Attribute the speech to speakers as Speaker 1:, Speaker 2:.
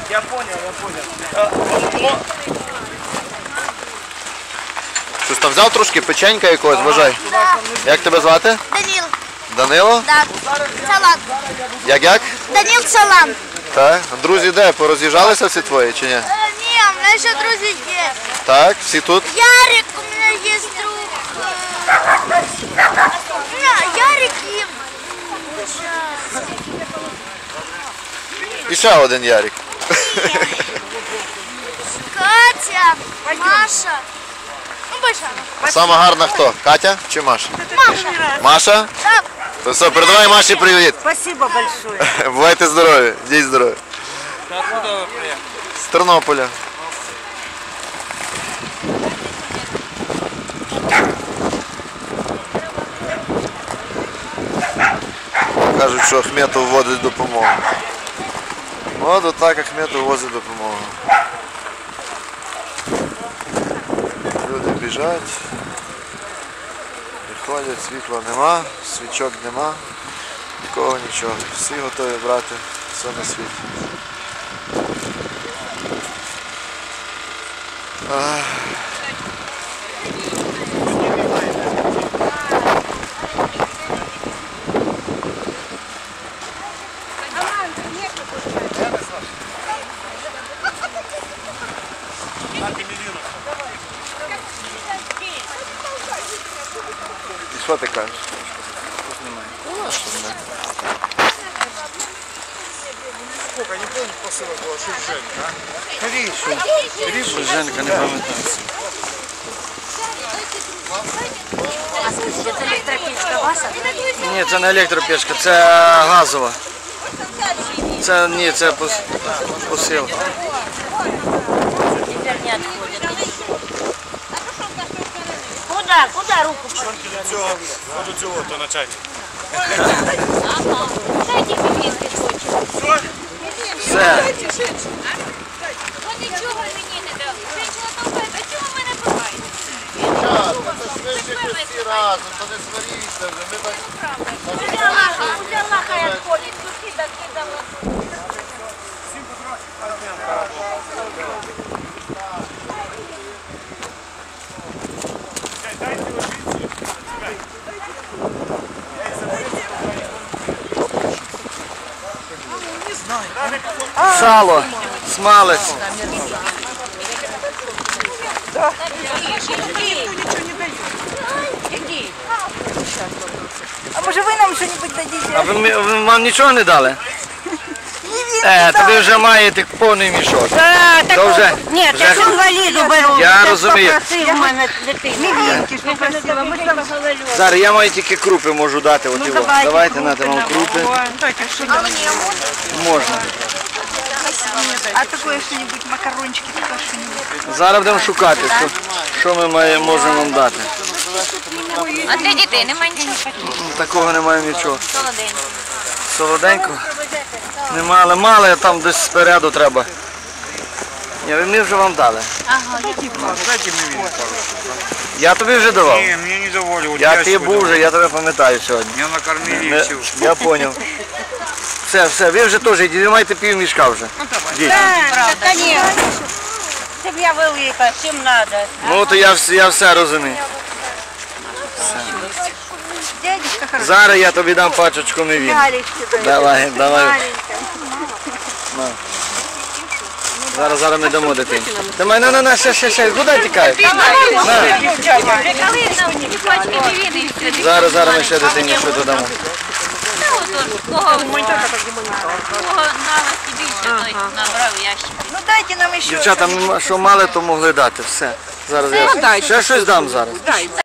Speaker 1: Я понял.
Speaker 2: Щось там взяв трошки печенька якогось, вважай. Як тебе звати?
Speaker 3: Данил.
Speaker 2: Данило?
Speaker 3: Да. Салат.
Speaker 2: Як?
Speaker 3: Данил Салам.
Speaker 2: Так. Друзі де? Пороз'їжджалися всі твої чи ні?
Speaker 3: Не, у меня еще друзья есть.
Speaker 2: Так, всі тут?
Speaker 3: Ярик, у меня есть друг. Ярик и...
Speaker 2: І ще один Ярик.
Speaker 3: Катя, Маша. Ну, большая.
Speaker 2: А сама гарна хто? Катя чи Маша?
Speaker 3: Маша.
Speaker 2: Маша?
Speaker 3: Да.
Speaker 2: То все, передавай Маші привіт.
Speaker 4: Спасибо большое.
Speaker 2: Бувайте здорові, діть здорові.
Speaker 1: Откуда вы приехали?
Speaker 2: З Тернополя. Кажуть, що Ахметов вводить допомогу. От отак Ахметов возить допомогу. Люди біжать, приходять, світла нема, свічок нема, нікого нічого. Всі готові брати все на світі. І що ти кажеш?
Speaker 1: Сколько, не помню, посылок было, что Женька, а?
Speaker 2: Рішу, Женка, не пам'ятаю.
Speaker 4: А скажите, это электропечка ваша?
Speaker 2: Ні, це не електропечка, це газова. Це ні, це посил.
Speaker 4: Теперь не отходит. Куда? Куда руку?
Speaker 1: Вот у цього, то начальник.
Speaker 4: Дайте пипетки хочет.
Speaker 2: Все.
Speaker 4: Он нічого мені не дав. Женщина толкає, а чого ви мене пихаєте?
Speaker 2: Всі разом, то не сваріться вже, ми так...
Speaker 4: Взяла хай отходить, сюди кидала.
Speaker 2: Сало, смалець.
Speaker 4: А може ви нам щось дадите?
Speaker 2: А ви вам нічого не дали? Тобі вже маєте повний мішок. То вже,
Speaker 4: Ні,
Speaker 2: вже-
Speaker 4: я ж інваліду беру.
Speaker 2: Я розумію.
Speaker 4: Попросив в мене дитину. Мівінки ж попросила. Ми там говорили.
Speaker 2: Зараз я маю тільки крупи можу дати. От його. Давайте на вам крупи. Можна.
Speaker 4: А такое что-нибудь, макарончики, такое что-нибудь.
Speaker 2: Зараз будемо шукати, що ми можемо вам дати.
Speaker 4: А для дітей немає нічого?
Speaker 2: Такого немає нічого.
Speaker 4: Солоденько.
Speaker 2: Солоденько? Нема, але мало, там десь спереду треба. Ні, ми вже вам дали.
Speaker 4: Ага,
Speaker 1: Дайте мне вид,
Speaker 2: Я тобі вже давав.
Speaker 1: Не, мне не доволі.
Speaker 2: Я ти був вже, я тебе пам'ятаю сьогодні.
Speaker 1: Меня накормили и все.
Speaker 2: Я зрозумів. Все, ви вже теж йдіть, ви маєте пів мішка вже. Йдіть.
Speaker 4: правда. Конечно. Сім'я велика, всім надо.
Speaker 2: Ну, то я все розумію.
Speaker 4: Дядечка хороший.
Speaker 2: Зараз я тобі дам пачечку мівін. Давай. На. Зараз ми дамо дитині. Давай, на, ще, куди тікаєш? Зараз ми ще дитині що додамо.
Speaker 4: Кого налості більше, той набрав ящик. Ну дайте нам ще.
Speaker 2: Дівчата, що мали, то могли дати. Все. Зараз я ще щось дам зараз.